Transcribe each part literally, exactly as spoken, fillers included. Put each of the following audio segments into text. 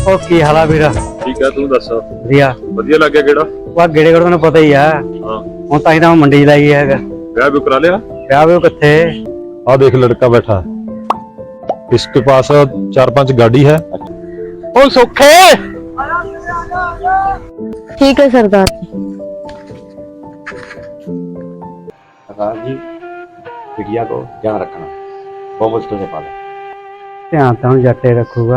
ਉਹ ਕੀ ਹਾਲ ਆ ਵੀਰ? ਠੀਕ ਆ, ਤੂੰ ਦੱਸ। ਵਧੀਆ ਵਧੀਆ ਲੱਗਿਆ ਕਿਹੜਾ? ਵਾ ਗੇੜੇ ਕੋਲ ਤੈਨੂੰ ਪਤਾ ਹੀ ਆ। ਹਾਂ ਹੁਣ ਤਾਂ ਹੀ ਤਾਂ ਮੰਡੀ ਲਾਈ ਹੈਗਾ। ਵਿਆਹ ਵੀ ਕਰਾ ਲਿਆ? ਵਿਆਹ ਵੀ ਕਿੱਥੇ? आ देख लड़का बैठा है, इसके पास चार पांच गाड़ी है। ओ सुखे ठीक है सरदार जी। सरदार जी बिटिया को ध्यान रखना, बहुत मुश्किल से पाला। ध्यान तो जट्टे रखूगा।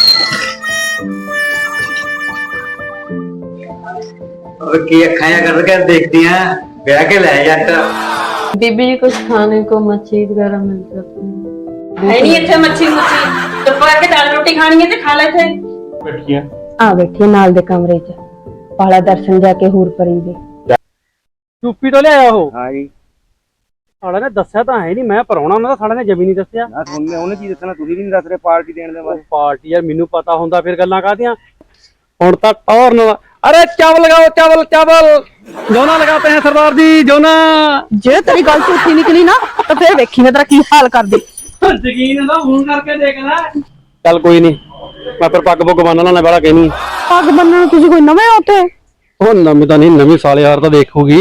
और की अखां करके देखती हैं ब्याह के ले जट। बीबी जी कुछ खाने को मच्छी वगैरह मिल जाती है? है नहीं इतने मच्छी मुच्छी चुप करके दाल रोटी खानी है तो खा ले थे। बैठी है आ बैठी नाल दे कमरे च पाला दर्शन जाके हूर परी दे। चुप्पी तो ले आया हो। हां जी ਸਾਲੇ ਨੇ ਦੱਸਿਆ ਤਾਂ ਹੈ ਨਹੀਂ, ਮੈਂ ਪਰਾਉਣਾ ਉਹਨਾਂ ਦਾ ਸਾਲੇ ਨੇ ਜਮੀ ਨਹੀਂ ਦੱਸਿਆ। ਨਾ ਤੁਹਾਨੂੰ ਉਹਨੇ ਕੀ ਦੱਸਣਾ, ਤੁਸੀਂ ਵੀ ਨਹੀਂ ਦੱਸ ਰਹੇ ਪਾਰਟੀ ਦੇਣ ਦੇ ਬਾਰੇ। ਪਾਰਟੀ ਯਾਰ ਮੈਨੂੰ ਪਤਾ ਹੁੰਦਾ ਫਿਰ ਗੱਲਾਂ ਕਾਹਦੀਆਂ। ਹੁਣ ਤਾਂ ਟੌਰ ਨਾ। अरे चावल लगाओ, चावल चावल जोना लगाते हैं सरदार जी, जोना। जे तेरी गल झूठी निकली ना तो फिर देखी मैं तेरा की हाल कर दी। यकीन है ना, फोन करके देखना। चल कोई नहीं, मैं फिर पग पुग बन लाना बड़ा कहनी। पग बनने तुझे कोई नवे होते? ओ नवी तो नहीं, नवी साले यार तो देखोगी।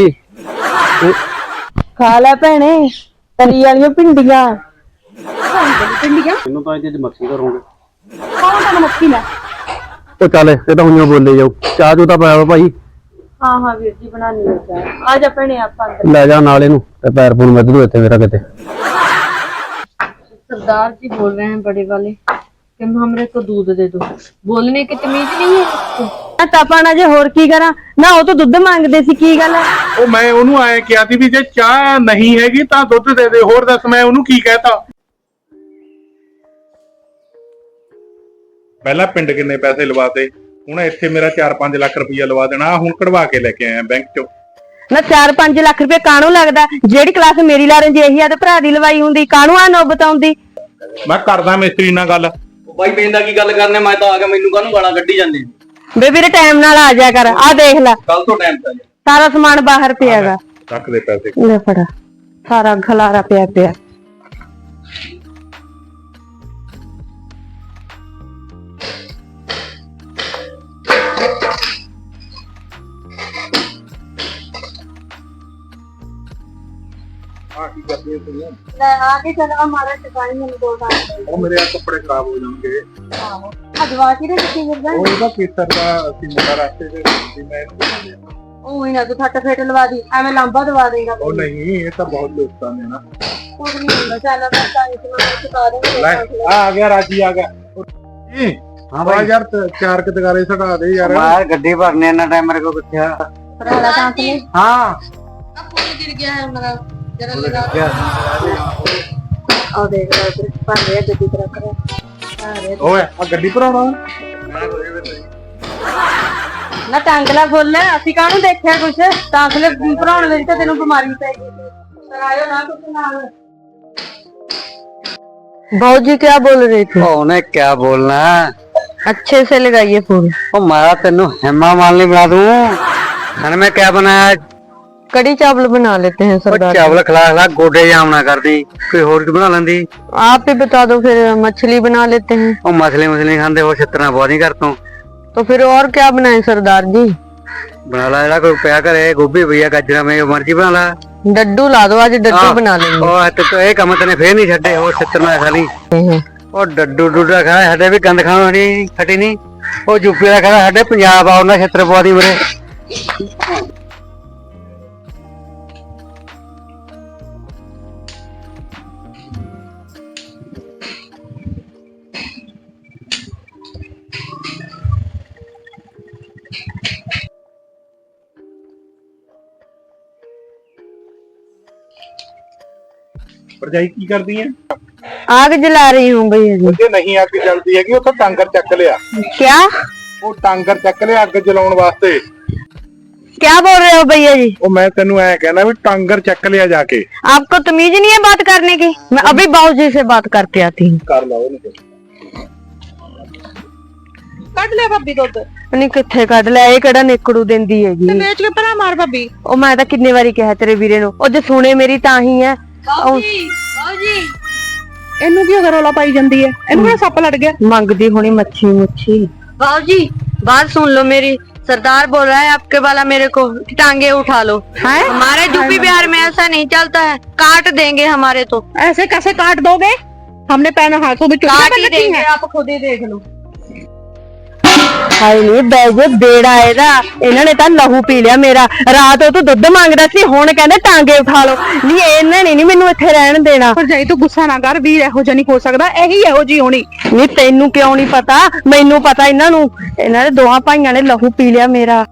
खा ले भैने तरी वाली भिंडियां। भिंडियां इन्हों तो इहदे मक्खी करोगे। कौन सा मक्खी ले? तो चल ये तो हुइयों बोले जाओ। चाह चू तो पाया भाई। हाँ हाँ वीर जी बनानी है चाह। आ जा भैने आप अंदर ले जा नाले नू ते पैर पून मत दू इत्थे मेरा किते। सरदार जी बोल रहे हैं बड़े वाले कि हमरे को दूध दे दो। बोलने की तमीज नहीं है। तपाना जे होर की करा ना, वो तो दुध मांगदे सी, की गल है? ਉਹ ਮੈਂ ਉਹਨੂੰ ਆਏ ਕਿਹਾ ਸੀ ਵੀ ਜੇ ਚਾਹ ਨਹੀਂ ਹੈਗੀ ਤਾਂ ਦੁੱਧ ਦੇ ਦੇ। ਹੋਰ ਦੱਸ ਮੈਂ ਉਹਨੂੰ ਕੀ ਕਹਿਤਾ? ਪਹਿਲਾਂ ਪਿੰਡ ਕਿੰਨੇ ਪੈਸੇ ਲਵਾਤੇ, ਹੁਣ ਇੱਥੇ ਮੇਰਾ ਚਾਰ ਪੰਜ ਲੱਖ ਰੁਪਈਆ ਲਵਾ ਦੇਣਾ। ਹੁਣ ਕਢਵਾ ਕੇ ਲੈ ਕੇ ਆਇਆ ਬੈਂਕ ਚੋਂ। ना चार पांच लाख रुपए कानू लगदा? जेड़ी क्लास मेरी ला रही यही ते भरा दी लवाई हुंदी, कानू आ नौबत आउंदी। ਮੈਂ ਕਰਦਾ ਮਿਸਤਰੀ ਨਾਲ ਗੱਲ। भाई बेंदा की गल करने मैं तो आ गया, मेनू कानू गाना कड्डी जांदे। बे वीरे टाइम नाल आ जाया कर। आ देख ले कल तो टाइम पे सारा सामान बाहर पियागा। ਰੱਖ ਦੇ ਪੈਸੇ। ले फड़ा सारा खलारा पिया पिया। ਹਾਂ ਕੀ ਕਰਦੇ ਹੋ? ले आगे चल हमारा टकाई में दो बार ਉਹ ਮੇਰੇ ਆ ਕੱਪੜੇ ਖਰਾਬ ਹੋ ਜਾਣਗੇ। अजवा की रे किसी मिल ਉਹ ਇਹਦਾ ਖੇਤਰ ਦਾ ਅਸੀਂ ਮੁੰਡਾ ਰਸਤੇ ਦੇ ਵੀ ਮੈਂ ਇਹਨੂੰ ਬਣਾ ਲਿਆ। ओ ही ना तू फट फेट लवा दी, एवें लांबा दवा देगा। ਉਹ ਨਹੀਂ, ਇਹ ਤਾਂ ਬਹੁਤ ਦੋਸਤਾਂ ਨੇ ਨਾ। कुछ नहीं होता, चल मैं टाइम से मैं चुका दूंगी। ਲੈ ਆ ਆ ਗਿਆ ਰਾਜੀ ਆ ਗਿਆ। ਜੀ हाँ ਆ भाई ਯਾਰ ਤ- ਚਾਰ ਕਦਗਾਰੇ ਛਡਾ ਦੇ ਯਾਰ। यार गड्डी भरने ना टाइम मेरे को किथे। पराला दांत ले। हां अब फूल गिर गया है उनका, जरा लगा। और देख रहा है पर रे गड्डी तरह कर। अरे ਓਏ ਆ ਗੱਡੀ ਭਰਾਉਣਾ। ना टांगला बोल ले, ਅਸੀਂ ਕਾਹਨੂੰ ਦੇਖਿਆ ਕੁਛ ਟਾਂਗਲੇ ਭਰਾਉਣ ਵਿੱਚ ਤਾਂ ਤੈਨੂੰ ਬਿਮਾਰੀ ਪੈ ਗਈ ਸੀ। ਕਰਾਇਓ ਨਾ ਕੁਛ ਨਾਲ। भाऊजी क्या बोल रहे थे? उन्हें क्या बोलना है? अच्छे से लगाइए फूल। ओ मारा तेनू हेमा मालिनी बना दूं। खाने में क्या बनाया? कड़ी चावल बना लेते हैं सरदार। चावल खिला खिला गोडे जाम ना कर दी, कोई और की बना लेंदी। आप ही बता दो फिर, मछली बना लेते हैं। ओ मछली मछली खाते हो, छितना बहुत नहीं करता। तो फिर और क्या बनाए सरदार जी? बना ला जरा कोई प्या करे, गोभी भैया गाजरा में मर्जी बना ला। डड्डू ला दो, आज डड्डू हाँ। बना लेंगे। ओ तो तो एक काम तने फिर नहीं छड्डे, ओ छितना खाली। ओ डड्डू डुडा खा हडे भी गंद खाना नहीं खटी नहीं। ओ यूपी दा खा हडे पंजाब आउंदा छित्र पवादी मेरे। ਭਰਜਾਈ ਕੀ ਕਰਦੀ ਹੈ? आग जला रही हूँ भैया जी। ਜੇ ਨਹੀਂ ਅੱਗ ਜਲਦੀ ਹੈਗੀ ਉੱਥੋਂ ਟਾਂਗਰ ਚੱਕ ਲਿਆ। क्या ਉਹ ਟਾਂਗਰ ਚੱਕ ਲਿਆ ਅੱਗ ਜਲਾਉਣ ਵਾਸਤੇ। क्या बोल रहे हो भैया जी? ਉਹ ਮੈਂ ਤੈਨੂੰ ਐ ਕਹਿੰਦਾ ਵੀ ਟਾਂਗਰ ਚੱਕ ਲਿਆ ਜਾ ਕੇ। आपको तमीज नहीं है बात करने की? मैं अभी बाबूजी से बात करके आती हूँ। ਕਰ ਲਾ ਉਹਨੂੰ। ਕੱਢ ਲੈ ਭਾਬੀ ਦੁੱਧ नहीं किथे कट लिया, ये केड़ा निकड़ू देंदी हैगी। ਤੇ ਵੇਚ ਕੇ ਭਰਾ ਮਾਰ ਭਾਬੀ। ओ मैं तो किन्ने बारी कहा तेरे वीरे नु, ओ जे सुने मेरी ताही है। ਬਾਊਜੀ ਬਾਊਜੀ ਇਹਨੂੰ ਕੀ ਰੌਲਾ ਪਾਈ ਜਾਂਦੀ ਹੈ? ਇਹਨੂੰ ਕਿਹੜਾ ਸੱਪ ਲੜ ਗਿਆ? मंगदी होनी मच्छी मुच्छी। बाबू जी बात सुन लो मेरी। सरदार बोल रहा है आपके वाला मेरे को टांगे उठा लो। है? हमारे यूपी बिहार में ऐसा नहीं चलता है, काट देंगे हमारे तो। ऐसे कैसे काट दोगे? हमने पहना हाथों में चुटकी काट पहन ही रखी देंगे, है। आप खुद ही देख लो। ਹਾਏ ਨੀ ਬੈਜੇ ਬੇੜਾ ਇਹਦਾ, ਇਹਨਾਂ ਨੇ ਤਾਂ ਲਹੂ ਪੀ ਲਿਆ ਮੇਰਾ। ਰਾਤ ਉਹ ਤੋਂ ਦੁੱਧ ਮੰਗਦਾ ਸੀ, ਹੁਣ ਕਹਿੰਦੇ ਟਾਂਗੇ ਉਠਾ ਲਓ। ਨਹੀਂ ਇਹਨਾਂ ਨੇ ਨਹੀਂ ਮੈਨੂੰ ਇੱਥੇ ਰਹਿਣ ਦੇਣਾ। ਭਰਜਾਈ ਤੂੰ ਗੁੱਸਾ ਨਾ ਕਰ, ਵੀਰ ਇਹੋ ਜਿਹਾ ਨਹੀਂ ਹੋ ਸਕਦਾ, ਇਹੀ ਇਹੋ ਜੀ ਹੋਣੀ। ਨਹੀਂ ਤੈਨੂੰ ਕਿਉਂ ਨਹੀਂ ਪਤਾ, ਮੈਨੂੰ ਪਤਾ ਇਹਨਾਂ ਨੂੰ। ਇਹਨਾਂ ਦੇ ਦੋਹਾਂ ਭਾਈਆਂ ਨੇ ਲਹੂ ਪੀ ਲਿਆ ਮੇਰਾ।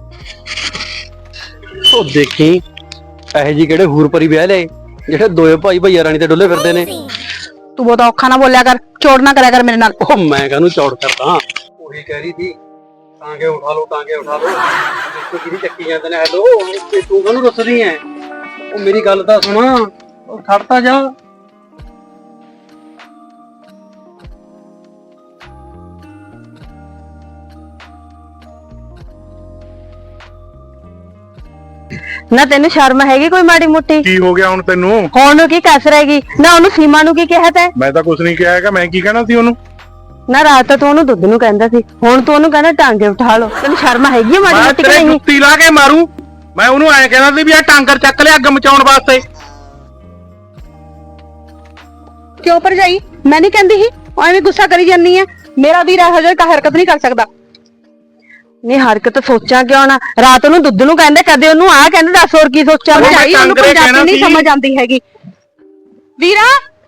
ਉਹ ਦੇਖੀ ਇਹ ਜੀ ਕਿਹੜੇ ਹੂਰ ਪਰੀ ਵਿਆਹ ਲਏ ਜਿਹੜੇ ਦੋਏ ਭਾਈ ਭਈਆ ਰਾਣੀ ਤੇ ਡੁੱਲੇ ਫਿਰਦੇ ਨੇ। ਤੂੰ ਬਹੁਤ ਔਖਾ ਨਾ ਬੋਲਿਆ ਕਰ, ਚੋੜ ਨਾ ਕਰਿਆ ਕਰ ਮੇਰੇ ਨਾਲ। ਉਹ ਮੈਂ ਕਾਹਨੂੰ ਚੌੜ ਕਰਦਾ, ਉਹੀ ਕਹਿ ਰਹੀ ਸੀ ਟਾਂਗੇ ਉਠਾ ਲਓ ਟਾਂਗੇ ਉਠਾ ਲਓ। ਦੇਖੋ ਕਿਹਦੀ ਚੱਕੀ ਜਾਂਦੇ ਨੇ। ਹੈਲੋ ਤੇ ਤੂੰ ਕਾਹਨੂੰ ਦੱਸਦੀ ਐ? ਉਹ ਮੇਰੀ ਗੱਲ ਤਾਂ ਸੁਣ, ਉਹ ਖੜਤਾ ਜਾ। ਨਾ ਤੈਨੂੰ ਸ਼ਰਮ ਹੈਗੀ ਕੋਈ ਮਾੜੀ ਮੋਟੀ? ਕੀ ਹੋ ਗਿਆ ਹੁਣ ਤੈਨੂੰ? ਹੁਣ ਨੂੰ ਕੀ ਕਸ ਰਹੇਗੀ ਨਾ? ਉਹਨੂੰ ਸੀਮਾ ਨੂੰ ਕੀ ਕਿਹਾ ਤੈਂ? ਮੈਂ ਤਾਂ ਕੁਝ ਨਹੀਂ ਕਿਹਾ ਹੈਗਾ, ਮੈਂ ਕੀ ਕਹਿਣਾ ਸੀ ਉਹਨੂੰ? ਨਾ ਰਾਤ ਤਾਂ ਤੂੰ ਉਹਨੂੰ ਦੁੱਧ ਨੂੰ ਕਹਿੰਦਾ ਸੀ, ਹੁਣ ਤੂੰ ਉਹਨੂੰ ਕਹਿੰਦਾ ਟਾਂਗੇ ਉਠਾ ਲਓ। ਤੈਨੂੰ ਸ਼ਰਮ ਹੈਗੀ ਆ ਮਾੜੀ ਮੈਂ ਮੋਟੀ ਕਿ ਤੇਰੇ ਨਹੀਂ? ਜੁੱਤੀ ਲਾ ਕੇ ਮਾਰੂ। ਮੈਂ ਉਹਨੂੰ ਐਂ ਕਹਿੰਦਾ ਸੀ ਵੀ ਆ ਟਾਂਗਰ ਚੱਕ ਲਿਆ ਅੱਗ ਮਚਾਉਣ ਵਾਸਤੇ। ਕਿਉਂ ਭਰਜਾਈ? ਮੈਂ ਨਹੀਂ ਕਹਿੰਦੀ ਸੀ, ਐਵੇਂ ਗੁੱਸਾ ਕਰੀ ਜਾਂਦੀ ਹੈ। ਮੇਰਾ ਵੀਰ ਇਹੋ ਜਿਹਾ ਹਰਕਤ ਨਹੀਂ ਕਰ ਸਕਦਾ। ਨਹੀਂ ਹਰਕਤ ਸੋਚਾਂ ਕਿਉਂ ਨਾ? ਰਾਤ ਨੂੰ ਦੁੱਧ ਨੂੰ ਕਹਿੰਦੇ, ਕਦੇ ਉਹਨੂੰ ਆਹ ਕਹਿੰਦੇ, ਦੱਸ ਹੋਰ ਕੀ ਸੋਚਾਂ ਮੈਂ? ਭਰਜਾਈ ਉਹਨੂੰ ਟਾਂਗਰੇ ਪੰਜਾਬੀ ਕਹਿਣਾ ਨਹੀਂ ਸੀ। ਸਮਝ ਆਉਂਦੀ ਹੈਗੀ। ਵੀਰਾ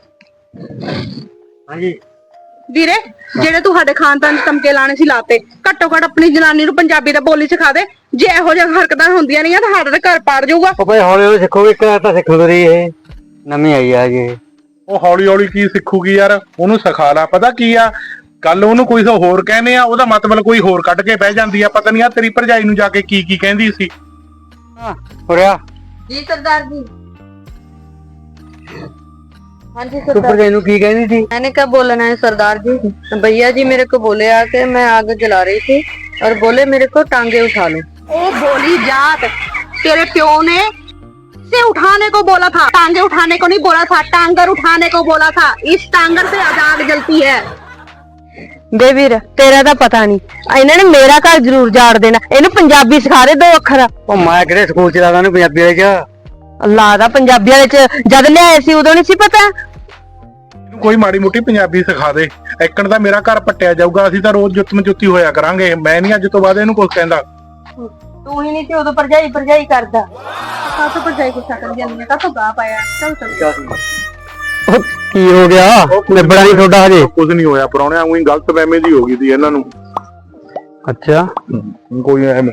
ਹਾਂਜੀ ਵੀਰੇ, ਜਿਹੜੇ ਤੁਹਾਡੇ ਖਾਨਦਾਨ ਚ ਤਮਕੇ ਲਾਣੇ ਸੀ ਲਾਤੇ। ਘੱਟੋ ਘੱਟ ਆਪਣੀ ਜਨਾਨੀ ਨੂੰ ਪੰਜਾਬੀ ਦਾ ਬੋਲੀ ਸਿਖਾ ਦੇ। ਜੇ ਇਹੋ ਜਿਹੀਆਂ ਹਰਕਤਾਂ ਹੁੰਦੀਆਂ ਨਹੀਂ ਤਾਂ ਸਾਡਾ ਤਾਂ ਘਰ ਪਾੜ ਜਾਊਗਾ। ਉਹ ਭਾਈ ਹੌਲੀ ਹੌਲੀ ਸਿੱਖੋਗੇ, ਇੱਕ ਤਾਂ ਸਿੱਖ ਰਹੀ ਇਹ ਨਵੀਂ ਆਈ ਆ ਜੀ। ਉਹ ਹੌਲੀ ਹੌਲੀ ਕੀ ਸਿੱਖੂਗੀ ਯਾਰ? ਉਹਨੂੰ ਸਿਖਾ ਲਾ। ਪਤਾ ਕੀ ਆ, ਕੱਲ ਉਹਨੂੰ ਕੋਈ ਹੋਰ ਕਹਿੰਦੇ ਆ, ਉਹਦਾ ਮਤਲਬ ਕੋਈ ਹੋਰ ਕੱਢ ਕੇ ਬਹਿ ਜਾਂਦੀ ਆ। ਪਤਾ ਨਹੀਂ ਆ ਤੇਰੀ ਭਰਜਾਈ ਨੂੰ ਜਾ ਕੇ ਕੀ ਕੀ ਕਹਿੰਦੀ ਸੀ। ਹੋਰਿਆ ਜੀ ਸਰਦਾਰ जी। हाँ जी ਤੂੰ ਭਰਜਾਈ ਨੂੰ ਕੀ ਕਹਿੰਦੀ ਸੀ? मैंने क्या बोलना है सरदार जी? भैया जी मेरे को बोले आके, मैं आग जला रही थी और बोले मेरे को टांगे उठा लो। ओ बोली जात, तेरे प्यो ने से उठाने को बोला था, टांगे उठाने को नहीं बोला था, टांगर उठाने को बोला था। इस टांगर से आज आग जलती है। बे वीर तेरा ਤਾਂ ਪਤਾ ਨਹੀਂ, ਇਹਨਾਂ ਨੇ ਮੇਰਾ ਘਰ ਜ਼ਰੂਰ ਜਾੜ ਦੇਣਾ। ਇਹਨੂੰ ਪੰਜਾਬੀ ਸਿਖਾ ਦੇ ਦੋ ਅੱਖਰ। ਉਹ ਮੈਂ ਕਿਹੜੇ ਸਕੂਲ ਚ ਲਾਦਾ ਉਹਨੂੰ ਪੰਜਾਬੀ ਵਾਲੇ ਚ? ਅੱਲਾ ਦਾ ਪੰਜਾਬੀ ਵਾਲੇ ਚ ਜਦ ਲਿਆਏ ਸੀ ਉਦੋਂ ਨਹੀਂ ਸੀ ਪਤਾ? ਇਹਨੂੰ ਕੋਈ ਮਾੜੀ ਮੋਟੀ ਪੰਜਾਬੀ ਸਿਖਾ ਦੇ। ਇੱਕਣ ਦਾ ਮੇਰਾ ਘਰ ਪੱਟਿਆ ਜਾਊਗਾ, ਅਸੀਂ ਤਾਂ ਰੋਜ਼ ਜੁੱਤ ਮਜੁੱਤੀ ਹੋਇਆ ਕਰਾਂਗੇ। ਮੈਂ ਨਹੀਂ ਅੱਜ ਤੋਂ ਬਾਅਦ ਇਹਨੂੰ ਕੁਝ ਕਹਿੰਦਾ। ਤੂੰ ਹੀ ਨਹੀਂ ਤੇ ਉਦੋਂ ਭਰਜਾਈ ਭਰਜਾਈ ਕਰਦਾ। ਕਾਹਤੋਂ ਭਰਜਾਈ ਗੁੱਸਾ ਕਰ ਜਾਂਦੀ ਹੈ? ਕਾਹਤੋਂ ਗਾ ਪਾਇਆ? ਚੱਲ ਚੱਲ। ਉਹ ਕੀ ਹੋ ਗਿਆ? ਨਿਬੜਾ ਨਹੀਂ ਤੁਹਾਡਾ ਹਜੇ? ਕੁਝ ਨਹੀਂ ਹੋਇਆ ਪਰੌਣਿਆਂ, ਉਹੀ ਗਲਤ ਫਹਿਮੀ ਦੀ ਹੋ ਗਈ ਸੀ ਇਹਨਾਂ ਨੂੰ। ਅੱਛਾ ਕੋਈ ਐਵੇਂ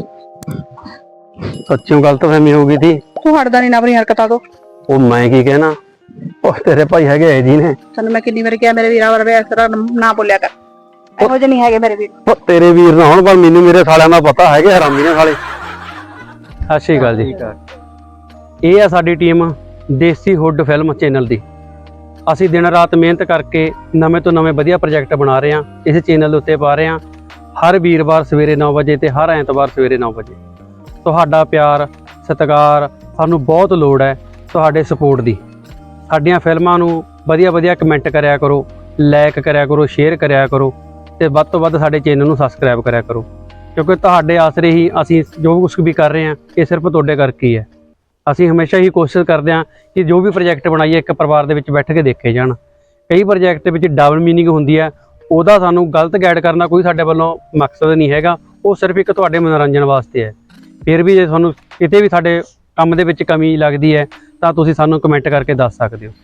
ਸੱਚੀ ਗਲਤਫਹਿਮੀ ਹੋ ਗਈ ਸੀ। ਤੂੰ ਹਟਦਾ ਨਹੀਂ ਨਾ ਆਪਣੀ ਹਰਕਤਾਂ ਤੋਂ। ਉਹ ਮੈਂ ਕੀ ਕਹਿਣਾ, ਉਹ ਤੇਰੇ ਭਾਈ ਹੈਗੇ ਐ ਜੀ ਨੇ। ਤੈਨੂੰ ਮੈਂ ਕਿੰਨੀ ਵਾਰ ਕਿਹਾ ਮੇਰੇ ਵੀਰਾਂ ਵਰਗੇ ਇਸ ਤਰ੍ਹਾਂ ਨਾ ਬੋਲਿਆ ਕਰ। ਇਹੋ ਜਿਹੇ ਨਹੀਂ ਹੈਗੇ ਮੇਰੇ ਵੀਰ। ਉਹ ਤੇਰੇ ਵੀਰ ਨਾ ਹੁਣ, ਪਰ ਮੈਨੂੰ ਮੇਰੇ ਸਾਲਿਆਂ ਦਾ ਪਤਾ ਹੈਗੇ ਹਰਾਮੀ ਨੇ ਸਾਲੇ। ਸਤਿ ਸ਼੍ਰੀ ਅਕਾਲ ਜੀ। ਇਹ ਆ ਸਾਡੀ team Desi hood film channel ਦੀ। ਅਸੀਂ ਦਿਨ ਰਾਤ ਮਿਹਨਤ ਕਰਕੇ ਨਵੇਂ ਤੋਂ ਨਵੇਂ ਵਧੀਆ ਪ੍ਰੋਜੈਕਟ ਬਣਾ ਰਹੇ ਹਾਂ, ਇਸ ਚੈਨਲ ਦੇ ਉੱਤੇ ਪਾ ਰਹੇ ਹਾਂ। ਹਰ ਵੀਰਵਾਰ ਸਵੇਰੇ ਨੌ ਵਜੇ ਤੇ ਹਰ ਐਤਵਾਰ ਸਵੇਰੇ ਨੌ ਵਜੇ। ਤੁਹਾਡਾ ਪਿਆਰ ਸਤਿਕਾਰ ਸਾਨੂੰ ਬਹੁਤ ਲੋੜ ਹੈ, ਤੁਹਾਡੇ ਸਪੋਰਟ ਦੀ। ਸਾਡੀਆਂ ਫਿਲਮਾਂ ਨੂੰ ਵਧੀਆ ਵਧੀਆ ਕਮੈਂਟ ਕਰਿਆ ਕਰੋ, ਲਾਈਕ ਕਰਿਆ ਕਰੋ, ਸ਼ੇਅਰ ਕਰਿਆ ਕਰੋ ਤੇ ਵੱਧ ਤੋਂ ਵੱਧ ਸਾਡੇ ਚੈਨਲ ਨੂੰ ਸਬਸਕ੍ਰਾਈਬ ਕਰਿਆ ਕਰੋ, ਕਿਉਂਕਿ ਤੁਹਾਡੇ ਆਸਰੇ ਹੀ ਅਸੀਂ ਜੋ ਕੁਝ ਵੀ ਕਰ ਰਹੇ ਹਾਂ ਇਹ ਸਿਰਫ ਤੁਹਾਡੇ ਕਰਕੇ ਹੀ ਹੈ। ਅਸੀਂ ਹਮੇਸ਼ਾ ਹੀ ਕੋਸ਼ਿਸ਼ ਕਰਦੇ ਹਾਂ ਕਿ ਜੋ ਵੀ ਪ੍ਰੋਜੈਕਟ ਬਣਾਈਏ ਇੱਕ ਪਰਿਵਾਰ ਦੇ ਵਿੱਚ ਬੈਠ ਕੇ ਦੇਖੇ ਜਾਣ। ਕਈ ਪ੍ਰੋਜੈਕਟ ਦੇ ਵਿੱਚ ਡਬਲ ਮੀਨਿੰਗ ਹੁੰਦੀ ਹੈ, ਉਹਦਾ ਸਾਨੂੰ ਗਲਤ ਗਾਈਡ ਕਰਨਾ ਕੋਈ ਸਾਡੇ ਵੱਲੋਂ ਮਕਸਦ ਨਹੀਂ ਹੈਗਾ। ਉਹ ਸਿਰਫ ਇੱਕ ਤੁਹਾਡੇ ਮਨੋਰੰਜਨ ਵਾਸਤੇ ਹੈ। ਫਿਰ ਵੀ ਜੇ ਤੁਹਾਨੂੰ ਕਿਤੇ ਵੀ ਸਾਡੇ ਕੰਮ ਦੇ ਵਿੱਚ ਕਮੀ ਲੱਗਦੀ ਹੈ ਤਾਂ ਤੁਸੀਂ ਸਾਨੂੰ ਕਮੈਂਟ ਕਰਕੇ ਦੱਸ ਸਕਦੇ ਹੋ।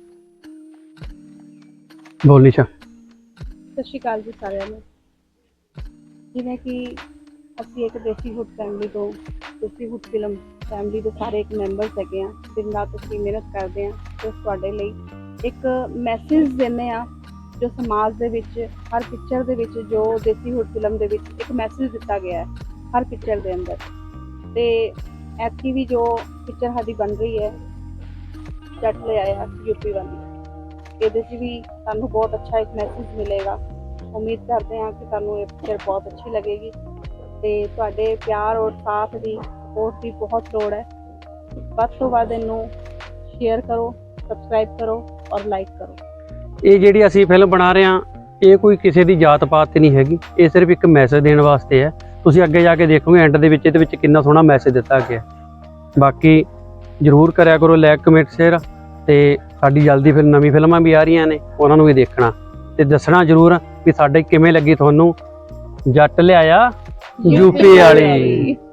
ਬੋਲ ਨਿਸ਼ਾ। ਸਤਿ ਸ਼੍ਰੀ ਅਕਾਲ ਜੀ ਸਾਰਿਆਂ ਨੂੰ। ਜਿਵੇਂ ਕਿ ਅਸੀਂ ਇੱਕ ਦੇਸੀ ਹੁੱਡ ਫੈਮਿਲੀ ਤੋਂ, ਦੇਸੀ ਹੁੱਡ ਫਿਲਮ ਫੈਮਿਲੀ ਦੇ ਸਾਰੇ ਇੱਕ ਮੈਂਬਰਸ ਹੈਗੇ ਆ। ਦਿਨ ਰਾਤ ਅਸੀਂ ਮਿਹਨਤ ਕਰਦੇ ਹਾਂ ਤੇ ਤੁਹਾਡੇ ਲਈ ਇੱਕ ਮੈਸੇਜ ਦਿੰਦੇ ਆ, ਜੋ ਸਮਾਜ ਦੇ ਵਿੱਚ ਹਰ ਪਿਕਚਰ ਦੇ ਵਿੱਚ, ਜੋ ਦੇਸੀ ਹੁੱਡ ਫਿਲਮ ਦੇ ਵਿੱਚ ਇੱਕ ਮੈਸੇਜ ਦਿੱਤਾ ਗਿਆ ਹੈ ਹਰ ਪਿਕਚਰ ਦੇ ਅੰਦਰ। ਤੇ ਐਤਕੀ ਵੀ ਜੋ ਪਿਕਚਰ ਸਾਡੀ ਬਣ ਰਹੀ ਹੈ ਜੱਟ ਲੈ ਆਇਆ ਯੂਪੀ ਵਾਲੀ, ਇਹਦੇ 'ਚ ਵੀ ਤੁਹਾਨੂੰ ਬਹੁਤ ਅੱਛਾ ਇੱਕ ਮੈਸੇਜ ਮਿਲੇਗਾ। ਉਮੀਦ ਕਰਦੇ ਹਾਂ ਕਿ ਤੁਹਾਨੂੰ ਇਹ ਪਿਕਚਰ ਬਹੁਤ ਅੱਛੀ ਲੱਗੇਗੀ ਤੇ ਤੁਹਾਡੇ ਪਿਆਰ ਔਰ ਸਾਥ ਦੀ ਸਪੋਰਟ ਦੀ ਬਹੁਤ ਲੋੜ ਹੈ। ਵੱਧ ਤੋਂ ਵੱਧ ਇਹਨੂੰ ਸ਼ੇਅਰ ਕਰੋ, ਸਬਸਕ੍ਰਾਈਬ ਕਰੋ ਔਰ ਲਾਈਕ ਕਰੋ। ਇਹ ਜਿਹੜੀ ਅਸੀਂ ਫਿਲਮ ਬਣਾ ਰਹੇ ਹਾਂ ਇਹ ਕੋਈ ਕਿਸੇ ਦੀ ਜਾਤ ਪਾਤ ਤੇ ਨਹੀਂ ਹੈਗੀ, ਇਹ ਸਿਰਫ ਇੱਕ ਮੈਸੇਜ ਦੇਣ ਵਾਸਤੇ ਹੈ। ਤੁਸੀਂ ਅੱਗੇ ਜਾ ਕੇ ਦੇਖੋਗੇ ਐਂਡ ਦੇ ਵਿੱਚ ਇਹਦੇ ਵਿੱਚ ਕਿੰਨਾ ਸੋਹਣਾ ਮੈਸੇਜ ਦਿੱਤਾ ਗਿਆ। ਬਾਕੀ ਜਰੂਰ ਕਰਿਆ ਕਰੋ ਲਾਈਕ ਕਮੈਂਟ ਸ਼ੇਅਰ, ਤੇ ਸਾਡੀ ਜਲਦੀ ਫਿਰ ਨਵੀਂ ਫਿਲਮਾਂ ਵੀ ਆ ਰਹੀਆਂ ਨੇ, ਉਹਨਾਂ ਨੂੰ ਵੀ ਦੇਖਣਾ ਤੇ ਦੱਸਣਾ ਜਰੂਰ ਵੀ ਸਾਡੇ ਕਿਵੇਂ ਲੱਗੀ ਤੁਹਾਨੂੰ ਜੱਟ ਲਿਆਇਆ ਯੂਪੀ ਵਾਲੀ।